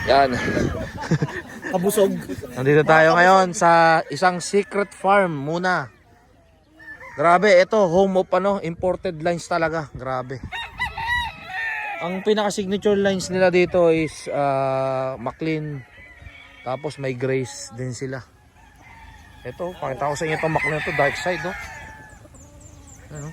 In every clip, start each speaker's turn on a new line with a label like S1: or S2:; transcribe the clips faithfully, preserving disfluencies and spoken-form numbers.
S1: Yan.
S2: Kabusog.
S1: Nandito tayo ngayon sa isang secret farm muna. Grabe, ito home of ano, imported lines talaga. Grabe. Ang pinaka signature lines nila dito is uh, McLean. Tapos may Grace din sila. Ito, pakita ko sa inyo itong McLean ito, dark side oh. Ano?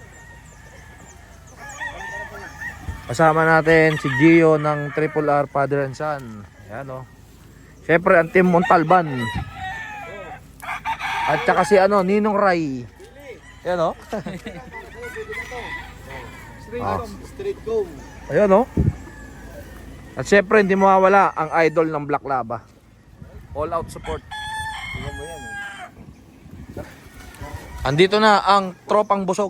S1: Kasama natin si Gio ng Triple R Father and Son. Ayan o. Siyempre ang Team Montalban. At saka si ano, Ninong Ray. Ayan o. Ah.
S2: Straight comb.
S1: Ayan o. At siyempre hindi mawawala ang idol ng Black Lava. All out support.
S2: Tingnan mo yan.
S1: Andito na ang tropang busog.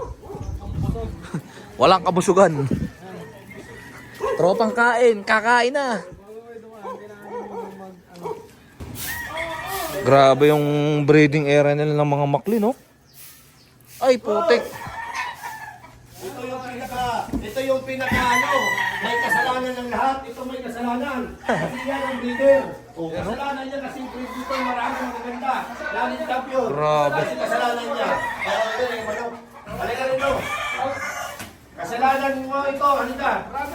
S1: Walang kabusugan. Tropang kain, kakain na. Grabe yung breeding area nila ng mga makli, no? Ay, putik.
S2: Ito yung pinaka, ito yung pinaka ano, may kasalanan ng lahat. Ito may kasalanan. Kasi yan ang breeder. Oh, kasalanan niya kasi breed dito maraming magaganda. Lalit champion.
S1: Grabe.
S2: Kasi kasalanan niya. Kaya ito yung manok. Halika rito. Kasalanan mo ito, halika.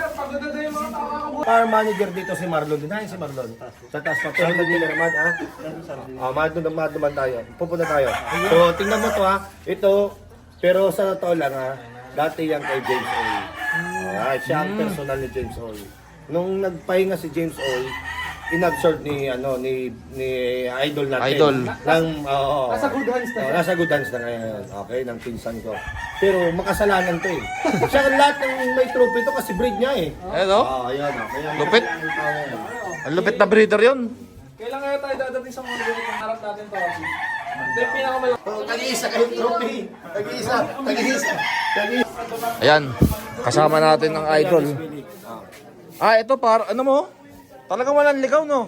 S2: Farm manager dito si Marlon. Dinahin si Marlon. Sa taas pa. Pero hindi na naman, ha? Ah, mahal naman, naman tayo. Pupunta tayo. So, tingnan mo to, ha? Ito, pero sa totoo lang, ha? Dati yan kay James Oy. Ah, siya ang personal ni James Oy. Nung nagpahinga si James Oy, inabsorb ni ano ni ni idol natin.
S1: Idol.
S2: Ng oo.
S3: Nasa good hands na.
S2: Oo, nasa good hands na ngayon. Okay, ng pinsan ko. Pero makasalanan to eh. Siya lahat ng may trophy to kasi breed niya eh.
S1: Ayan o.
S2: Oo, ayan. oh. Kaya
S1: Lupit.
S2: makasalanan tayo ngayon.
S1: Ang lupit na breeder yun.
S3: Kailan kaya tayo dadating sa mga ganito kung harap natin to? Ito yung pinakamalaki.
S2: Oh, tag-iisa kayong trophy. Tag-iisa. Tag-iisa. Tag-iisa.
S1: Ayan, kasama natin ang idol. Ah, ito par, ano mo? Talagang walang ligaw, no?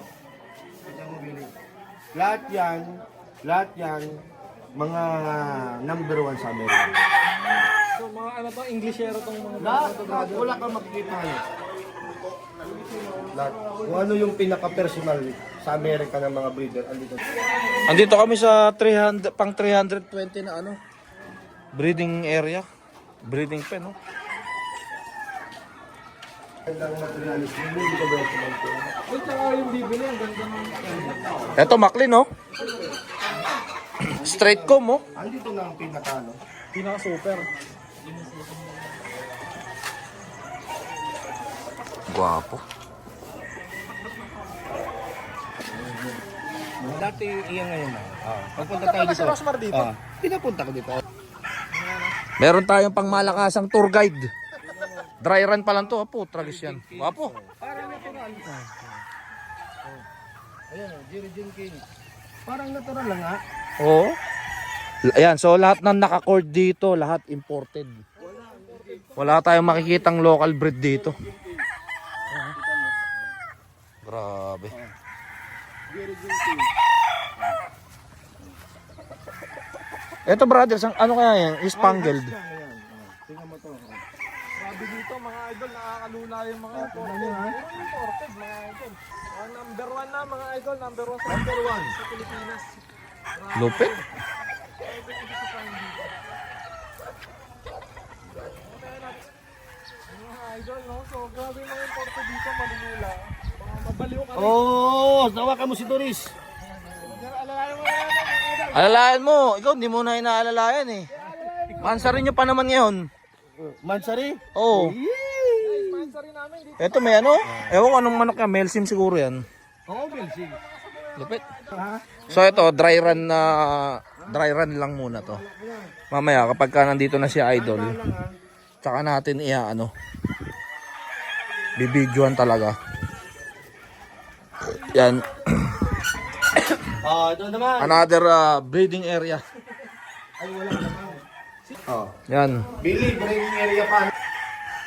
S2: Lahat yan, lahat yan, mga number one sa Amerika.
S3: So mga ano to, Englishero tong mga
S2: Lahat, lahat, wala kang makikita ngayon. Lahat. Kung ano yung pinaka-personal sa Amerika ng mga breeder, andito.
S1: Andito kami sa three hundred, pang three twenty na ano, breeding area, breeding pen, no?
S2: Ang materialis, hindi ko ba ito mag-ito?
S3: Uy, tsaka yung bibili, ang ganda ng...
S1: Ito McLean, no? Straight comb, oh.
S2: Andito na ang pinaka, no?
S3: Pinaka-super.
S1: Guwapo.
S2: Dati iyan ngayon na. Ah, pagpunta tayo dito.
S3: Rosmar dito?
S2: Ah, pinapunta ko dito.
S1: Meron tayong pangmalakasang tour guide. Dry run pa lang to, apo, tragis yan. Guwapo.
S3: Parang natural.
S2: Ayan, oh, Jerry Jim King. Parang natural lang ha.
S1: Oo. Ayan, so lahat ng naka-cord dito, lahat imported. Wala tayong makikitang local breed dito. Grabe.
S2: Jerry Jim King.
S1: Ito brothers, ang ano kaya yan? Spangled.
S2: Ayan, oh, tingnan mo to.
S3: Grabe dito mga idol, nakakalula yung mga imported. Puro imported mga idol. Mga number one na mga idol, number one sa number one sa Pilipinas.
S1: Lupit.
S3: Mga idol, no? So grabe yung mga imported dito, malulula. Mga mabaliw ka rin.
S2: Oh, tawakan mo si Doris.
S3: Pero alalayan mo na yan, mga idol.
S1: Alalayan mo, ikaw hindi mo na inaalalayan eh. Mansarin nyo pa naman ngayon.
S2: Mansari?
S1: Oo.
S3: Guys, sponsor rin namin dito.
S1: Ito may ano, ewan ko anong manok yan, Melsim siguro yan.
S2: Oo, Belsing.
S1: Lupit. So ito, dry run na, dry run lang muna to. Mamaya kapag ka nandito na si Idol, tsaka natin iya ano, bibidyoan talaga. Yan,
S2: Ah, ito naman.
S1: another uh, breeding area.
S2: Ay, wala naman. Oh.
S1: Yan.
S2: Billy, breaking area pa.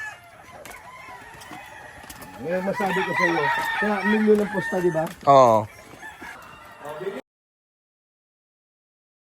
S2: Ngayon masabi ko sa iyo, kaya milyon ng posta, di ba?
S1: Oo.